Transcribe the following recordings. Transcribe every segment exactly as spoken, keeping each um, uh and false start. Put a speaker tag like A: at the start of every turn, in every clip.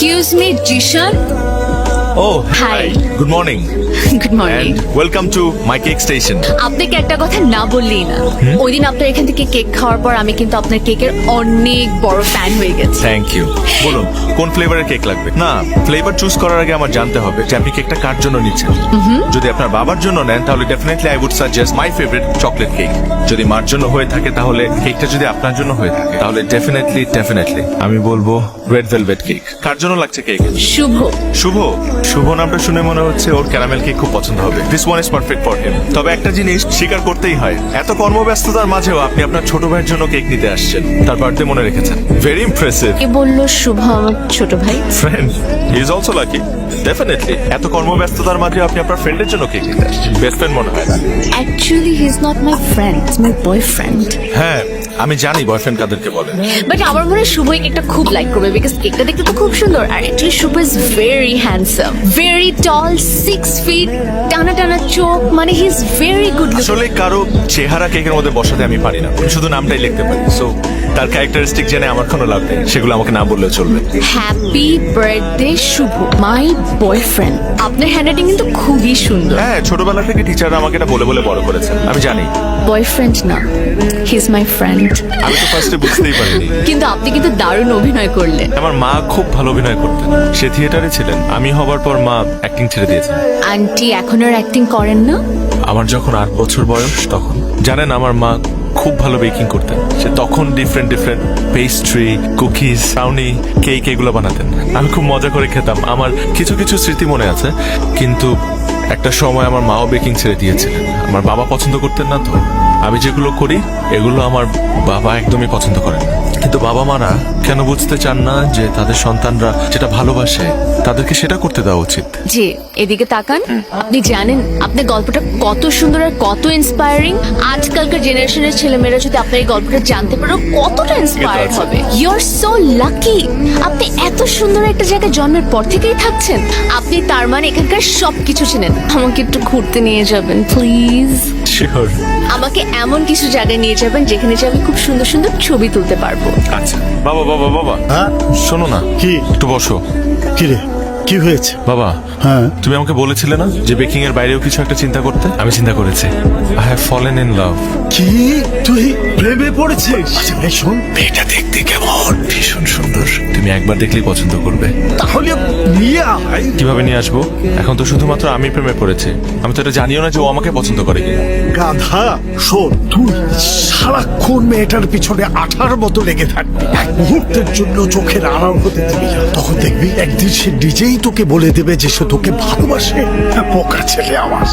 A: Excuse me Zeeshan.
B: Oh,
A: Hi.
B: Good morning.
A: Good morning.
B: And welcome to my cake station.
A: আপনাকে একটা কথা না বললেই না, ওই দিন আপনার এখান থেকে কেক খাওয়ার পর আমি কিন্তু আপনার কেকের অনেক বড় ফ্যান হয়ে গেছি।
B: Thank you. বলুন কোন ফ্লেভারের কেক লাগবে? না, ফ্লেভার চুজ করার আগে আমার জানতে হবে যে আপনি কেকটা কার জন্য নিচ্ছেন। যদি আপনার বাবার জন্য নেন তাহলে definitely I would suggest my favourite chocolate cake. যদি মার জন্য হয়ে থাকে তাহলে কেকটা যদি আপনার জন্য হয়ে থাকে তাহলে ডেফিনেটলি ডেফিনেটলি আমি বলবো রেড ভেলভেট কেক। কার জন্য লাগছে কেক?
A: শুভ।
B: শুভ। শুভ নামটা শুনে মনে হচ্ছে ওর ক্যারামেল কেক খুব পছন্দ হবে। This one is perfect for him. তবে একটা জিনিস স্বীকার করতেই হয়, এত কর্মব্যস্ততার মাঝেও আপনি আপনার ছোট ভাইয়ের জন্য কেক নিতে আসছেন, তার বার্থডে মনে রেখেছেন। Very impressive.
A: কে বললো শুভ আমার ছোট ভাই?
B: Friend, he is also lucky. Definitely এত কর্মব্যস্ততার মাঝে আপনি আপনার ফ্রেন্ডের জন্য কেক নিতে আসছেন, বেস্ট ফ্রেন্ড মনে হয় না?
A: Actually he is not my friend, is my boyfriend.
B: হ্যাঁ, আমি জানি বয়ফ্রেন্ড কাদেরকে বলে।
A: বাট আমার মনে হয় শুভ এই কেকটা খুব লাইক করবে, বিকজ কেকটা দেখতে তো খুব সুন্দর। আর actually Shubho is very handsome, very tall, six feet, টানা টানা চোখ, মানে he is very good looking.
B: আসলে কারো চেহারা কেকের মধ্যে বসাতে আমি পারি না, আমি শুধু নামটাই লিখতে পারি। সো তার ক্যারেক্টারিস্টিক জেনে আমার কোনো লাভ নেই, সেগুলো আমাকে না বললেও চলবে।
A: Happy birthday Shubho, my boyfriend. আপনার হ্যান্ডরাইটিং কিন্তু খুবই সুন্দর।
B: হ্যাঁ, ছোটবেলা থেকে টিচাররা আমাকে এটা বলে বলে বড় করেছেন, আমি জানি।
A: বয়ফ্রেন্ড না, হি ইজ মাই ফ্রেন্ড।
B: আমি তো ফার্স্টে বুঝতেই পারিনি।
A: কিন্তু আপনি কিন্তু দারুণ অভিনয় করলেন।
B: আমার মা খুব ভালো অভিনয় করতেন, সে থিয়েটারে ছিলেন। আমি হবার পর মা অ্যাক্টিং ছেড়ে দিয়েছেন।
A: আন্টি এখন আর অ্যাক্টিং করেন না?
B: আমার যখন আট বছর বয়স তখন, জানেন, আমার মা খুব ভালো বেকিং করতেন। সে তখন different different pastry, cookies, brownie, cake এগুলো বানাতেন। আমি খুব মজা করে খেতাম। আমার কিছু কিছু স্মৃতি মনে আছে, কিন্তু একটা সময় আমার মাও বেকিং ছেড়ে দিয়েছিলেন। আমার বাবা পছন্দ করতেন না, তো আমি যেগুলো করি এগুলো আমার বাবা একদমই পছন্দ করেন না। কিন্তু বাবা মারা কেন বুঝতে চান না যে তাদের সন্তানরা যেটা ভালোবাসে তাদেরকে সেটা করতে দেওয়া উচিত?
A: জি, এদিকে তাকান। আপনি জানেন আপনার গল্পটা কত সুন্দর আর কত ইন্সপায়ারিং। আজকালকার জেনারেশনের ছেলেমেয়েরা যদি আপনার এই গল্পটা জানতে পারো কতটা ইন্সপায়ার্ড হবে। You are so lucky. আপনি এত সুন্দর একটা জায়গায় জন্মের পর থেকেই থাকছেন। আপনি তার মানে এখানকার সবকিছু চেনেন। আমাকে একটু ঘুরতে নিয়ে যাবেন প্লিজ।
B: শিওর।
A: আমাকে এমন কিছু জায়গায় নিয়ে যাবেন যেখানে যে আমি খুব সুন্দর সুন্দর ছবি তুলতে পারবো।
B: আচ্ছা বাবা বাবা বাবা,
C: হ্যাঁ
B: শোনো না,
C: কি?
B: একটু বসো।
C: কি রে, কি হয়েছে?
B: বাবা,
C: হ্যাঁ
B: তুমি আমাকে বলেছিলে না যে বেকিং এর বাইরেও কিছু একটা চিন্তা করতে? আমি চিন্তা করেছি। I have fallen in love.
C: কি তুই প্রেমে পড়েছিস? আচ্ছা ভাই শোন,
B: মেয়েটা দেখতে কেমন, ভীষণ সুন্দর। তুমি একবার দেখলেই পছন্দ করবে।
C: তাহলে নিয়ে আয়।
B: কিভাবে নিয়ে আসবো? এখন তো শুধুমাত্র আমি প্রেমে পড়েছি, আমি তো এটা জানিও না যে ও আমাকে পছন্দ করে কিনা।
C: গাধা, শোন, তুই সারাক্ষণ মেয়েটার পিছনে আঠার মতো লেগে থাকবি, এক মুহূর্তের জন্য চোখের আড়াল হতে দিবি না। তখন দেখবি একদিন সে নিজেই তোকে বলে দেবে যে সে তোকে ভালোবাসে। বোকা ছেলে আমার।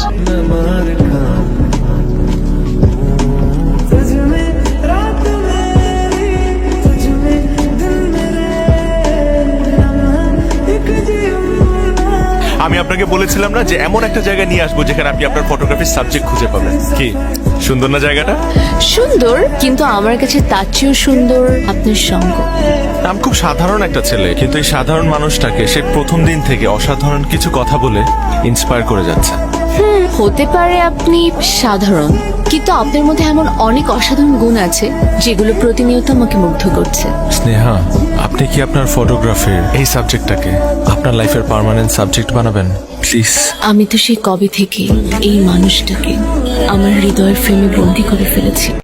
B: আমি আপনাকে বলেছিলাম না যে এমন একটা জায়গায় নিয়ে আসবো যেখানে আপনি আপনার ফটোগ্রাফির সাবজেক্ট খুঁজে পাবেন। কি সুন্দর না জায়গাটা?
A: সুন্দর, কিন্তু আমার কাছে তার চেয়েও সুন্দর আপনার সঙ্গ।
B: আমি খুব সাধারণ একটা ছেলে, কিন্তু এই সাধারণ মানুষটাকে সে প্রথম দিন থেকে অসাধারণ কিছু কথা বলে ইন্সপায়ার করে যাচ্ছে।
A: হুম, হতে পারে আপনি সাধারণ, কিন্তু আপনার মধ্যে এমন অনেক অসাধারণ গুণ আছে যেগুলো প্রতিনিয়ত আমাকে মুগ্ধ করছে।
B: স্নেহা, আপনি কি আপনার ফটোগ্রাফির এই সাবজেক্টটাকে আপনার লাইফের পার্মানেন্ট সাবজেক্ট বানাবেন প্লিজ?
A: আমি তো সেই কবে থেকে এই মানুষটাকে আমার হৃদয়ের ফ্রেমে বন্দি করে ফেলেছি।